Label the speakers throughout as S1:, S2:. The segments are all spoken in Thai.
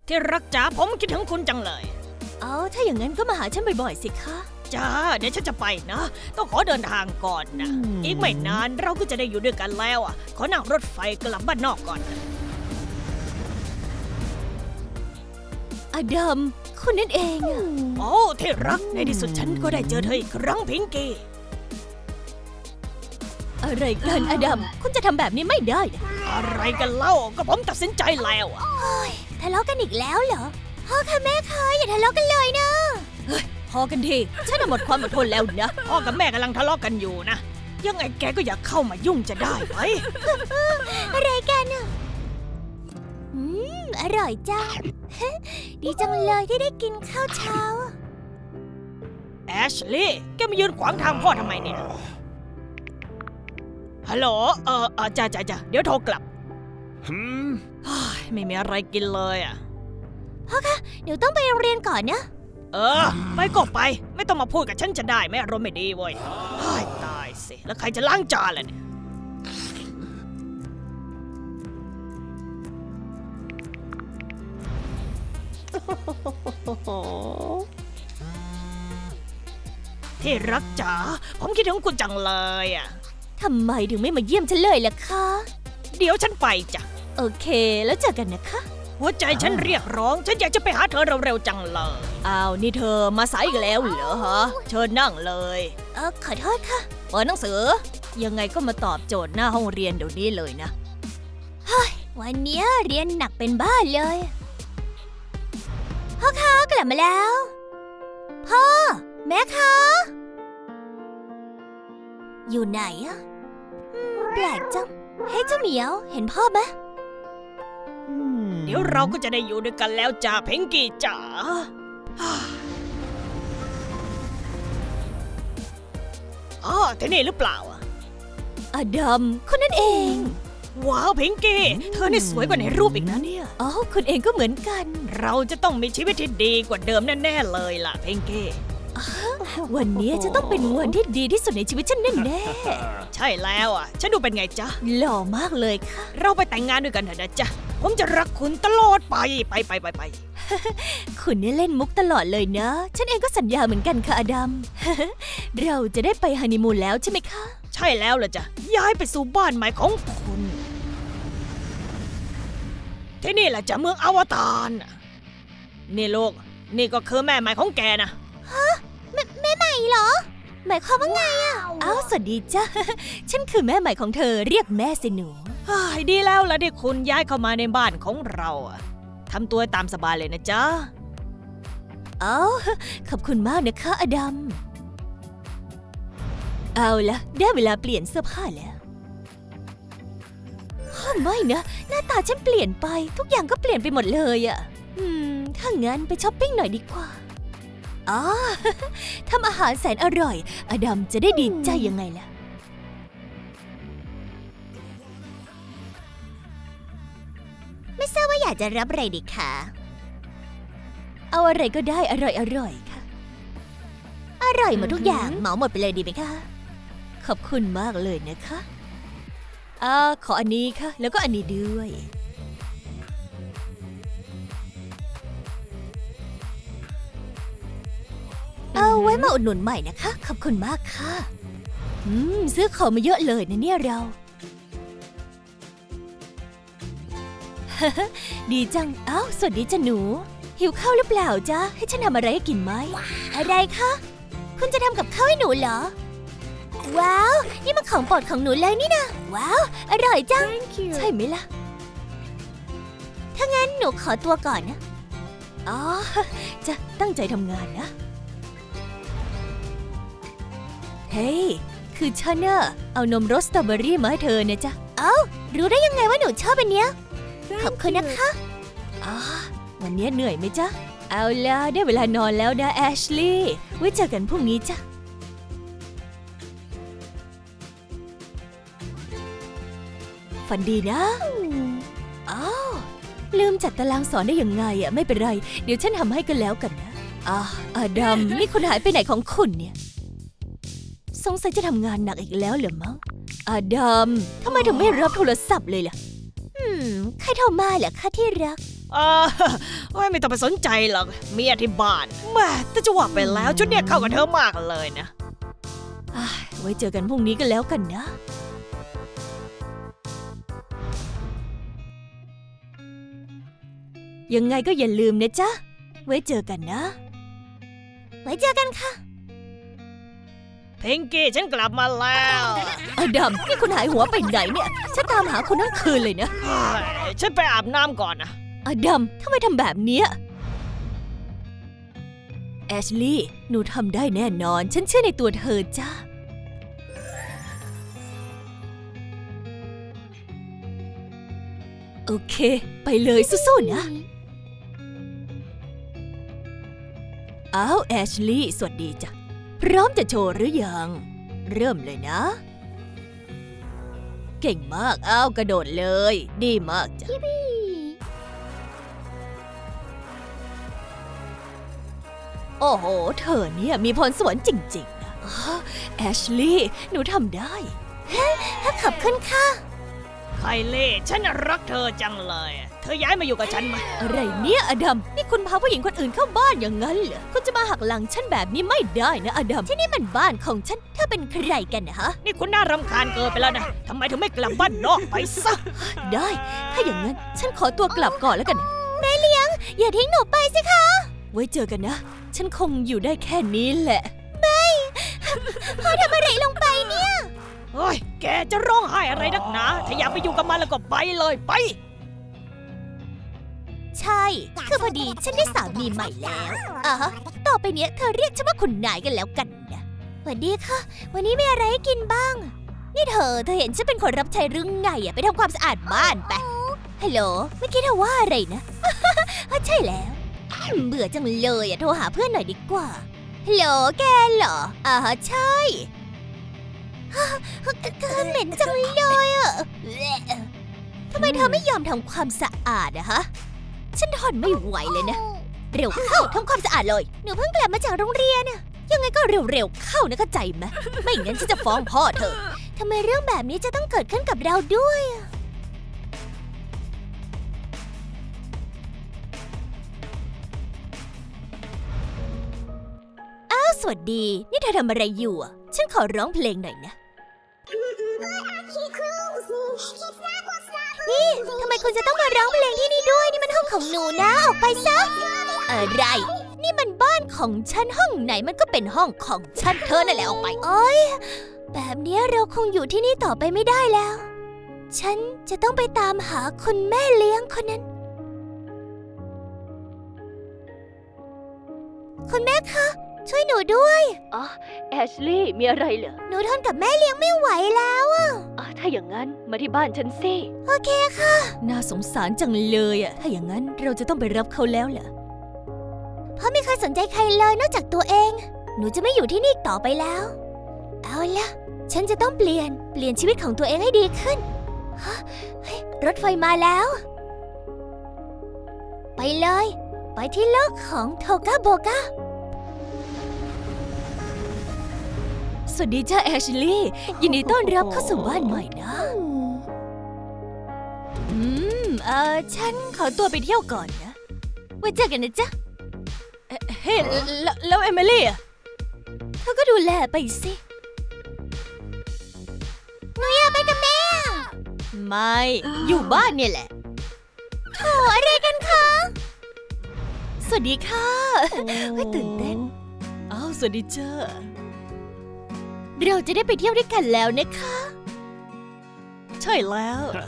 S1: ที่รักจ๋าผมคิดถึงคุณจังเลย
S2: เอาถ้าอย่างนั้นก็มาหาฉันบ่อยๆสิคะ
S1: จ้าเดี๋ยวฉันจะไปนะต้องขอเดินทางก่อนนะอีกไม่นานเราก็จะได้อยู่ด้วยกันแล้วอ่ะขอนั่งรถไฟกลับบ้านนอกก่อนนะ
S2: อดัมคุณนั่นเองอะ
S1: โอ้ที่รักในที่สุดฉันก็ได้เจอเธออีกครั้งพิงกี้
S2: อะไรกันอดัมคุณจะทำแบบนี้ไม่ได้นะ
S1: อะไรกันเล่าก็ผมตัดสินใจแล้วอะ
S2: ทะเลาะกันอีกแล้วเหรอพ่อค่ะแม่ค่ะอย่าทะเลาะกันเลยนะเฮ้ยพอกันทีฉันหมดความอดทนแล้วนะ
S1: พ่อกับแม่กำลังทะเลาะกันอยู่นะยังไงแกก็อย่าเข้ามายุ่งจะได้ไหม
S2: อะไรกันอะอร่อยจัง ดีจังเลยที่ได้กินข้าวเช้า
S1: แอชลี่แกมายืนขวางทางพ่อทำไมเนี่ยฮัลโหลจ้าเดี๋ยวโทรกลับเฮ้ยไม่มีอะไรกินเลยอ่ะ
S2: เดี๋ยวต้องไปโรงเรียนก่อนนะ
S1: ไปก็ไปไม่ต้องมาพูดกับฉันจะได้ไหมอารมณ์ไม่ดีเว้ยเฮ้ยตายสิแล้วใครจะล้างจานล่ะเนี่ยที่รักจ๋าผมคิดถึงคุณจังเลยอ่ะ
S2: ทำไมถึงไม่มาเยี่ยมฉันเลยล่ะคะ
S1: เดี๋ยวฉันไปจ้ะ
S2: โอเคแล้วเจอกันนะคะ
S1: หัวใจฉันเรียกร้องฉันอยากจะไปหาเธอเร็วๆจังเลย
S2: อ้าวนี่เธอมาสายอีกแล้วเหรอฮะ
S1: เชิญนั่งเลย
S2: ขอโทษค่ะเปิดหนังสือ ยังไงก็มาตอบโจทย์หน้าห้องเรียนเดี๋ยวนี้เลยนะ เฮ้ยวันนี้เรียนหนักเป็นบ้าเลยพ่อคะกลับมาแล้ว พ่อแม่คะอยู่ไหนอะแปลกจังเฮ้ยเจ้าเหมียวเห็นพ่อไหม
S1: เดี๋ยวเราก็จะได้อยู่ด้วยกันแล้วจ้าเพงกี้จ๋าอ๋อที่นี่หรือเปล่าอ่ะ
S2: อดัมคนนั่นเอง
S1: ว้าวเพงกี้เธอนี่สวยกว่าในรูปอีกนะเนี่ย
S2: อ๋อคุณเองก็เหมือนกัน
S1: เราจะต้องมีชีวิตที่ดีกว่าเดิมแน่ๆเลยล่ะเพงกี้
S2: วันนี้จะต้องเป็นวันที่ดีที่สุดในชีวิตฉันแน่
S1: ใช่แล้วอ่ะฉันดูเป็นไงจ๊ะ
S2: ๆหล่อมากเลยค่ะ
S1: เราไปแต่งงานด้วยกันเถอะนะจ๊ะผมจะรักคุณตลอดไปไป
S2: คุณเนี่ยเล่นมุกตลอดเลยนะ ฉันเองก็สัญญาเหมือนกันค่ะอดัม เราจะได้ไปฮันนีมูนแล้วใช่ไหมคะ
S1: ใช่แล้วล่ะจ้ะย้ายไปสู่บ้านใหม่ของคุณที่นี่แหละจ้ะเมืองอวตารน่ะนี่ลูกนี่ก็คือแม่ใหม่ของแกนะ
S2: แม่ใหม่เหรอ หมายความว่าไงอ่ะอ้าวสวัสดีจ้ะ ฉันคือแม่ใหม่ของเธอเรียกแม่สิหนู
S1: เฮ้ยดีแล้วล่ะที่คุณย้ายเข้ามาในบ้านของเราอะทำตัวตามสบายเลยนะจ๊ะ
S2: อ้าวขอบคุณมากนะคะอดัม เอาละได้เวลาเปลี่ยนเสื้อผ้าแล้วไม่นะหน้าตาฉันเปลี่ยนไปทุกอย่างก็เปลี่ยนไปหมดเลยอะถ้างั้นไปช้อปปิ้งหน่อยดีกว่าอ๋อ ทำอาหารแสนอร่อยอดัมจะได้ดีใจยังไงล่ะไม่ทราบว่าอยากจะรับอะไรดีคะเอาอะไรก็ได้อร่อยค่ะอร่อยหมดทุกอย่างเหมาหมดไปเลยดีไหมคะขอบคุณมากเลยนะคะขออันนี้ค่ะแล้วก็อันนี้ด้วยเอาไว้มาอุดหนุนใหม่นะคะขอบคุณมากค่ะซื้อของมาเยอะเลยนะเนี่ยเรา ดีจังอ้าวสวัสดีจ้ะหนูหิวข้าวหรือเปล่าจ๊ะให้ฉันทำอะไรให้กินไหมอะไรคะคุณจะทำกับข้าวให้หนูเหรอว้าวนี่มันของโปรดของหนูเลยนี่นะว้าวอร่อยจังใช่ไหมล่ะถ้างั้นหนูขอตัวก่อนนะอ๋อจะตั้งใจทำงานนะเฮ้ยคือฉันน่ะเอานมรสสตรอเบอรี่มาให้เธอเนี่ยจ้ะเอ้ารู้ได้ยังไงว่าหนูชอบอันเนี้ยขอบคุณนะคะวันนี้เหนื่อยไหมจ๊ะเอาล่ะได้เวลานอนแล้วนะแอชลีย์ไว้เจอกันพรุ่งนี้จ้ะฝันดีนะอ้าวลืมจัดตารางสอนได้ยังไงอะไม่เป็นไรเดี๋ยวฉันทำให้กันแล้วกันนะอดัมนี่คุณหายไปไหนของคุณเนี่ยสงสัยจะทำงานหนักอีกแล้วเหรอมั้งอดัมทำไมถึงไม่รับโทรศัพท์เลยล่ะใครโทรมาเหรอคะที่รัก
S1: เออไม่ต้องไปสนใจหรอกเมียที่บ้านแม่แต่จะว่าไปแล้วชุดเนี้ยเข้ากับเธอมากเลยนะ
S2: ไว้เจอกันพรุ่งนี้กันแล้วกันนะ ยังไงก็อย่าลืมนะจ๊ะ ไว้เจอกันนะ ไว้เจอกันค่ะ
S1: พิงกี้ฉันกลับมาแล้ว
S2: อดัมนี่คุณหายหัวไปไหนเนี่ย ฉันตามหาคุณทั้งคืนเลยนะ
S1: เฮ้ยฉันไปอาบน้ำก่อนนะ
S2: อดัมทำไมทำแบบเนี้ยแอชลีย์หนูทำได้แน่นอน ฉันเชื่อในตัวเธอจ้าโอเค ไปเลยสู้ๆนะอ้าวแอชลีย์สวัสดีจ้ะพร้อมจะโชว์หรือยัง เริ่มเลยนะ เก่งมากอ้าวกระโดดเลย ดีมากจ้ะโอ้โห เธอเนี่ยมีพรสวรรค์จริงๆนะแอชลีย์หนูทำได้ขอบคุณค่ะ
S1: ไคลี่ฉันรักเธอจังเลย เธอย้ายมาอยู่กับฉันไหม
S2: อะไรเนี่ยอดัมนี่คุณพาผู้หญิงคนอื่นเข้าบ้านอย่างนั้นเหรอคุณจะมาหักหลังฉันแบบนี้ไม่ได้นะอดัมที่นี่มันบ้านของฉันเธอเป็นใครกันนะฮะ
S1: นี่คุณน่ารำคาญเกินไปแล้วนะทำไมถึงไม่กลับบ้านนอกไปซะ
S2: ได้ถ้าอย่างนั้นฉันขอตัวกลับก่อนแล้วกันแม่เลี้ยงอย่าทิ้งหนูไปสิคะไว้เจอกันนะฉันคงอยู่ได้แค่นี้แหละไม่พ่อทำอะไรลงไปเนี่ย
S1: เฮ้ยแกจะร้องไห้อะไรนักหนาถ้าอยากไปอยู่กับมันแล้วก็ไปเลยไป
S2: ใช่ คือพอดีฉันได้สามีใหม่แล้วฮะต่อไปเนี้ยเธอเรียกฉันว่าคุณนายกันแล้วกันนะสวัสดีค่ะ วันนี้มีอะไรให้กินบ้าง นี่เธอเห็นฉันเป็นคนรับใช้หรือไงไปทำความสะอาดบ้านไปฮัลโหลเมื่อกี้เธอว่าอะไรนะ ใช่แล้วเบื่อจังเลยโทรหาเพื่อนหน่อยดีกว่าฮัลโหลแกเหรอใช่เหม็นจังเลยทำไมเธอไม่ยอมทำความสะอาดฮะฉันทนไม่ไหวเลยนะเร็วเข้าทำความสะอาดเลยหนูเพิ่งกลับมาจากโรงเรียนยังไงก็เร็วๆเข้านะเข้าใจไหมไม่งั้นฉันจะฟ้องพ่อเธอทำไมเรื่องแบบนี้จะต้องเกิดขึ้นกับเราด้วยอ้าวสวัสดีนี่เธอทำอะไรอยู่ฉันขอร้องเพลงหน่อยนะนี่ทำไมคุณจะต้องมาร้องเพลงที่นี่ด้วยนี่มันห้องของหนูนะออกไปซะอะไรนี่มันบ้านของฉันห้องไหนมันก็เป็นห้องของฉันเธอนั่นแหละออกไปโอ๊ยแบบนี้เราคงอยู่ที่นี่ต่อไปไม่ได้แล้วฉันจะต้องไปตามหาคุณแม่เลี้ยงคนนั้นคุณแม่คะช่วยหนูด้วยแอชลีย์มีอะไรเหรอหนูทนกับแม่เลี้ยงไม่ไหวแล้วถ้าอย่างนั้นมาที่บ้านฉันสิโอเคค่ะน่าสงสารจังเลยถ้าอย่างนั้นเราจะต้องไปรับเขาแล้วเหรอพ่อไม่เคยสนใจใครเลยนอกจากตัวเองหนูจะไม่อยู่ที่นี่ต่อไปแล้วเอาล่ะฉันจะต้องเปลี่ยนชีวิตของตัวเองให้ดีขึ้นรถไฟมาแล้วไปเลยไปที่โลกของโทกาโบกาสวัสดีจ้าแอชลีย์ยินดีต้อนรับเข้าสู่บ้านใหม่นะฉันขอตัวไปเที่ยวก่อนนะไว้เจอกันนะจ๊ะเฮ้แล้วเอมิลี่เธอก็ดูแลไปสิหนูอยากไปกับแม่ไม่อยู่บ้านเนี่ยแหละโถอะไรกันคะสวัสดีค่ะตื่นเต้นอ้าวสวัสดีจ้าเราจะได้ไปเที่ยวด้วยกันแล้วนะคะใช่แล้ว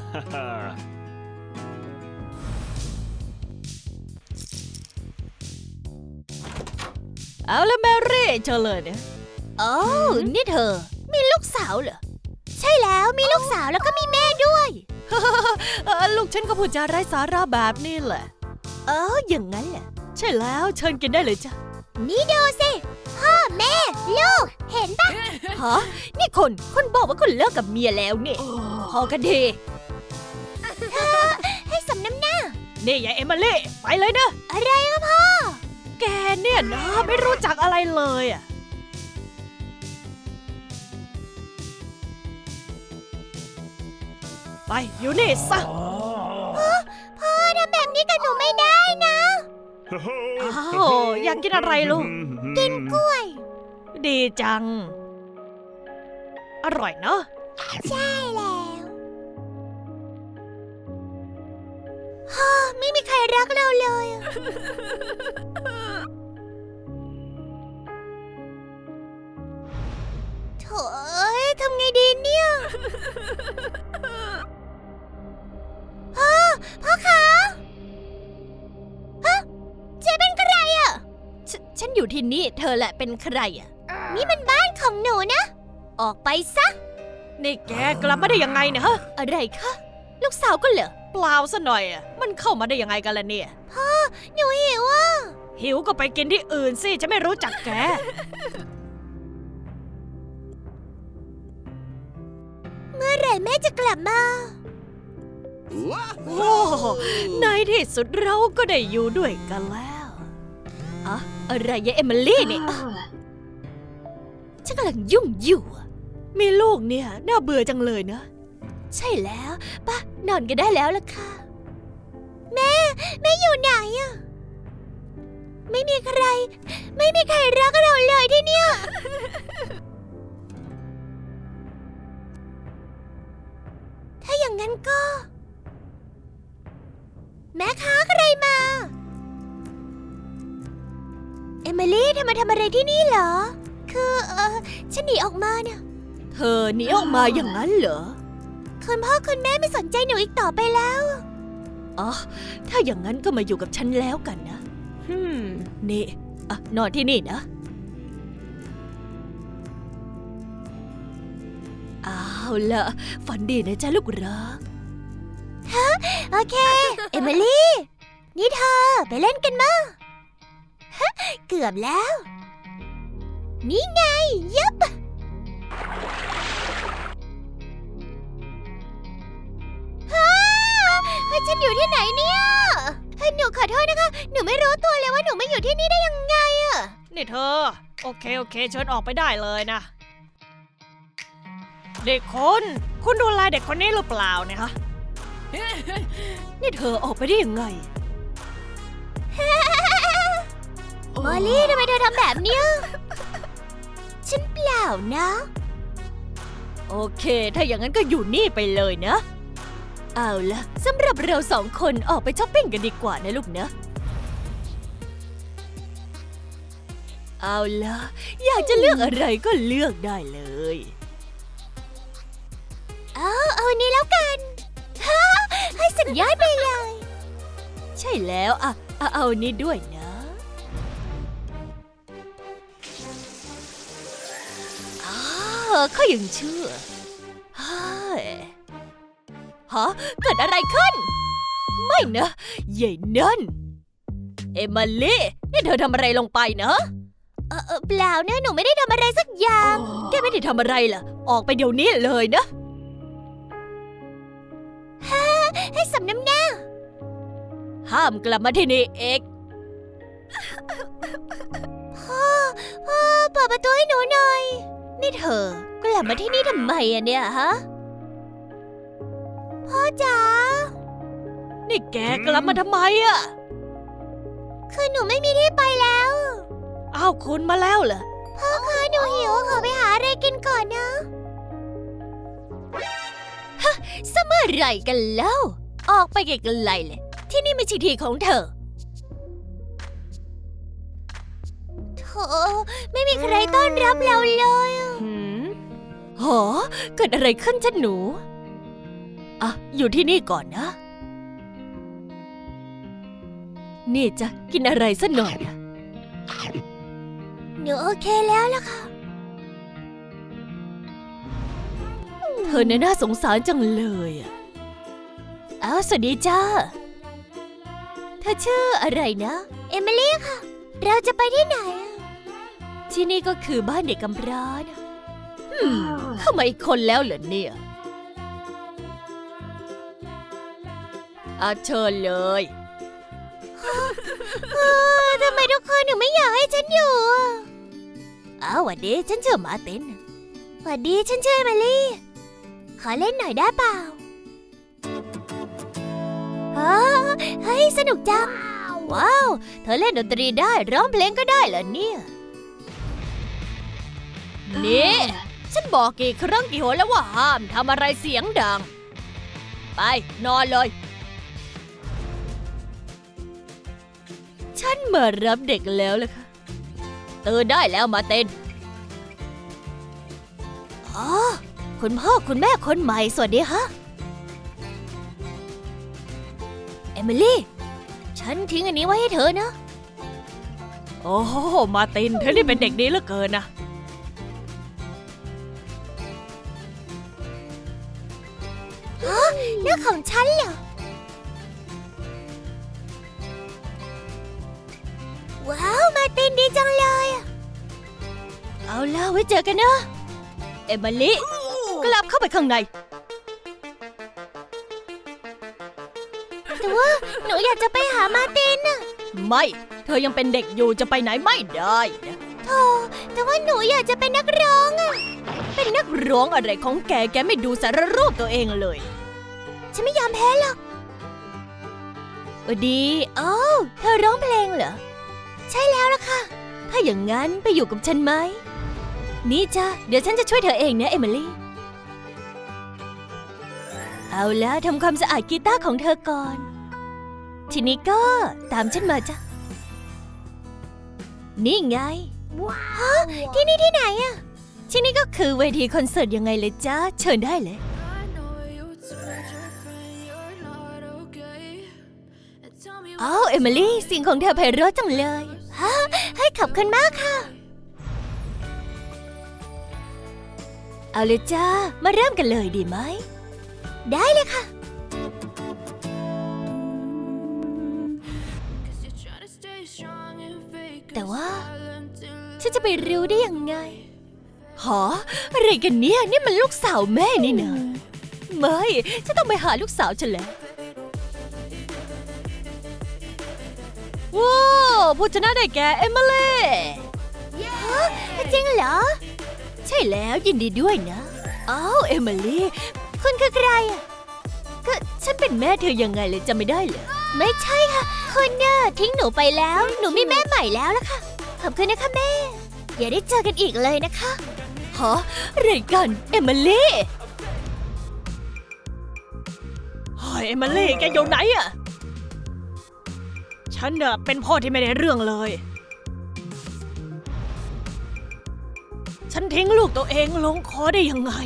S2: เอาละแมรี่เจอเลยเนี่ยโอ้นี่เธอมีลูกสาวเหรอใช่แล้วมีลูกสาวแล้วก็มีแม่ด้วย ลูกฉันก็พูดจาไร้สาระแบบนี้แหละอย่างนั้นแหละใช่แล้วเชิญกินได้เลยจ้ะนี่ดูสิพ่อแม่ลูกเห็นปะฮะนี่คุณบอกว่าคุณเลิกกับเมียแล้วเนี่ยพอกันดีให้สำน้ำหน้านี่ยายเอมิลี่ไปเลยนะอะไรครับพ่อแกเนี่ยนะไม่รู้จักอะไรเลยไปอยู่นี่ซะพ่อทำแบบนี้กับหนูไม่ได้นะ
S1: อ้าวอยากกินอะไรลูก
S2: กินกล้วย
S1: ดีจัง อร่อยเนอะ
S2: ใช่แล้วฮ่าไม่มีใครรักเราเลยอะโถ่เอ้ยทำไงดีเนี่ยพ่อคะฮะเจ๊เป็นใครอ่ะฉันอยู่ที่นี่เธอแหละเป็นใครอ่ะนี่มันบ้านของหนูนะ ออกไปซะ
S1: นี่แกกลับมาได้ยังไงเนี่ยฮะ
S2: อะไรคะ ลูกสาวก็เหรอ
S1: เปล่าซะหน่อยอะมันเข้ามาได้ยังไงกันล่ะเนี่ย
S2: หนูหิวอ่ะ
S1: หิวก็ไปกินที่อื่นสิฉันไม่รู้จักแก
S2: เมื่อไหร่แม่จะกลับมา
S1: โอ้ในที่สุดเราก็ได้อยู่ด้วยกันแล้วอะอะไรยะเอมิลี่เนี่ยฉันกำลังยุ่งอยู่อะมีลูกเนี่ยน่าเบื่อจังเลยนะ
S2: ใช่แล้วป่ะนอนกันได้แล้วล่ะค่ะ แม่อยู่ไหนอะไม่มีใครรักเราเลยที่เนี่ย ถ้าอย่างนั้นก็ แม่คะใครมา เอมิลี่เธอมาทำอะไรที่นี่เหรอ คือฉันหนีออกมาเนี่ย
S1: เธอหนีออกมาอย่างนั้นเหรอ
S2: คุณพ่อคุณแม่ไม่สนใจหนูอีกต่อไปแล้ว
S1: อ๋อถ้าอย่างนั้นก็มาอยู่กับฉันแล้วกันนะนี่อ่ะนอนที่นี่นะเอาล่ะฝันดีนะจ๊ะลูกรัก
S2: โอเค เอมิลี่ นี่เธอไปเล่นกันมาฮะเกือบแล้ว นี่ไงยับฮ่าฉันอยู่ที่ไหนเนี่ยหนูขอโทษนะคะ หนูไม่รู้ตัวเลยว่าหนูมาอยู่ที่นี่ได้ยังไงอะ
S1: นี่เธอ โอเคเชิญออกไปได้เลยนะ เด็กคุณดูแลเด็กคนนี้หรือเปล่าเนี่ยฮะ นี่เธอออกไปได้ยังไง
S2: มอลลี่ทำไมเธอทำแบบเนี้ยฉันเปล่านะ
S1: โอเค ถ้าอย่างนั้นก็อยู่นี่ไปเลยนะ เอาล่ะสำหรับเราสองคนออกไปช้อปปิ้งกันดีกว่านะลูกนะ เอาล่ะอยากจะเลือกอะไรก็เลือกได้เลย
S2: เอาอันนี้แล้วกันฮะให้สุดยอดไปเลย
S1: ใช่แล้วอ่ะเอาอันนี้ด้วยนะเขายังเชื่อเฮ้ยฮะเกิดอะไรขึ้น ไม่นะใหญ่นั่นเอมิลี่นี่เธอทำอะไรลงไปนะ
S2: เปล่านะหนูไม่ได้ทำอะไรสักอย่าง
S1: แกไม่ได้ทำอะไรล่ะ ออกไปเดี๋ยวนี้เลยนะ
S2: ให้สำน้ำหน้า
S1: ห้ามกลับมาที่นี่เอก
S2: พ่อเปิดประตูให้หนูหน่อย นี่เธอกลับมาที่นี่ทำไมอะเนี่ยฮะ พ่อจ๋า
S1: นี่แกกลับมาทำไมอะ
S2: คือหนูไม่มีที่ไปแล้ว
S1: อ้าวคุณมาแล้วเหรอ
S2: พ่อคะหนูหิวขอไปหาอะไรกินก่อนนะฮะสมัยไรกันแล้ว ออกไปไกลๆเลย ที่นี่ไม่ใช่ที่ของเธอโธ่ไม่มีใครต้อนรับเราเลยอะ
S1: หอเกิดอะไรขึ้นจ้ะหนู อ่ะ อยู่ที่นี่ก่อนนะ นี่จะกินอะไรสักหน่อยนะ
S2: หนูโอเคแล้วล่ะค่ะ
S1: เธอเนี่ยน่าสงสารจังเลยอ่ะ
S2: อ้าวสวัสดีจ้า เธอชื่ออะไรนะ เอมิลี่ค่ะ เราจะไปที่ไหนอะ
S1: ที่นี่ก็คือบ้านเด็กกำพร้านะเข้ามาอีกคนแล้วเหรอเนี่ยเชิญเลย
S2: ทำไมทุกคนถึงไม่อยากให้ฉันอยู่อะอ้าวหวัดดีฉันชื่อมาร์ตินหวัดดีฉันชื่อเอมิลี่ ขอเล่นหน่อยได้เปล่าอ๋อเฮ้ยสนุกจัง ว้าว เธอเล่นดนตรีได้ร้องเพลงก็ได้เหรอเนี่ย
S1: นี่ ฉันบอกกี่ครั้งกี่หนแล้วว่าห้ามทำอะไรเสียงดัง ไปนอนเลย ฉันมารับเด็กแล้วล่ะค่ะตื่นได้แล้วมาเต้น
S2: อ๋อ คุณพ่อคุณแม่คนใหม่สวัสดีฮะ เอมิลี่ ฉันทิ้งอันนี้ไว้ให้เธอนะ
S1: โอ้โหมาร์ตินเธอนี่เป็นเด็กดีเหลือเกินนะ
S2: เรื่องของฉันเหรอ ว้าว มาร์ตินดีจังเลยอะ
S1: เอาล่ะไว้เจอกันนะ เอมิลี่กลับเข้าไปข้างใน
S2: แต่ว่าหนูอยากจะไปหามาร์ตินอะ
S1: ไม่ เธอยังเป็นเด็กอยู่จะไปไหนไม่ได้นะ
S2: โธ่แต่ว่าหนูอยากจะเป็นนักร้องอะ
S1: เป็นนักร้องอะไรของแก แกไม่ดูสารรูปตัวเองเลย
S2: ฉันไม่ยอมแพ้หรอกดีอ้าวเธอร้องเพลงเหรอ ใช่แล้วล่ะค่ะ
S1: ถ้าอย่างนั้นไปอยู่กับฉันไหม
S2: นี่จ้ะเดี๋ยวฉันจะช่วยเธอเองนะเอมิลี่
S1: เอาแล้วทำความสะอาดกีตาร์ของเธอก่อน
S2: ทีนี้ก็ตามฉันมาจ้ะ
S1: นี่ไง
S2: ฮะที่นี่ที่ไหนอะ
S1: ที่นี่ก็คือเวทีคอนเสิร์ตยังไงเลยจ้าเชิญได้เลย
S2: อ้าวเอมิลี่เสียงของเธอไพเราะจังเลยฮะให้ขอบคุณมากค่ะ
S1: เอาเลยจ้ามาเริ่มกันเลยดีไหม
S2: ได้เลยค่ะ แต่ว่าฉันจะไปรู้ได้ยังไง
S1: หออะไรกันเนี่ยนี่มันลูกสาวแม่นี่นะไม่ฉันต้องไปหาลูกสาวฉันแล้วว้าวผู้ชนะได้แก่เอมิลี่
S2: จริงเหรอ
S1: ใช่แล้วยินดีด้วยนะอ้าวเอมิลี่
S2: คุณคือใครอะ
S1: ก็ฉันเป็นแม่เธอยังไงเลยจำไม่ได้เลย
S2: ไม่ใช่ค่ะ คุณเนี่ยทิ้งหนูไปแล้ว หนูมีแม่ใหม่แล้วล่ะค่ะ ขอบคุณนะคะแม่ อย่าได้เจอกันอีกเลยนะคะ
S1: ฮะอะไรกันเอมิลี่เฮ้ยเอมิลี่แกอยู่ไหนอะฉันน่ะเป็นพ่อที่ไม่ได้เรื่องเลย ฉันทิ้งลูกตัวเองลงคอได้ยังไง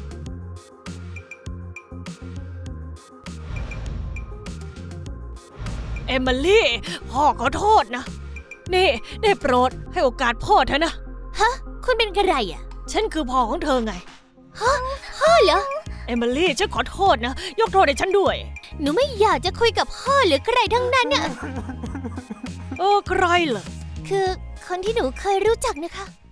S1: เอมิลี่ พ่อขอโทษนะ นี่ได้โปรดให้โอกาสพ่อเถอะนะ
S2: ฮะ คุณเป็นใครอะ
S1: ฉันคือพ่อของเธอไง
S2: พ่อเหรอ
S1: เอมิลี่ฉันขอโทษนะ ยกโทษให้ฉันด้วย
S2: หนูไม่อยากจะคุยกับพ่อหรือใครทั้งนั้นน่ะ
S1: ใครเหรอ
S2: คือคนที่หนูเคยรู้จักนะคะ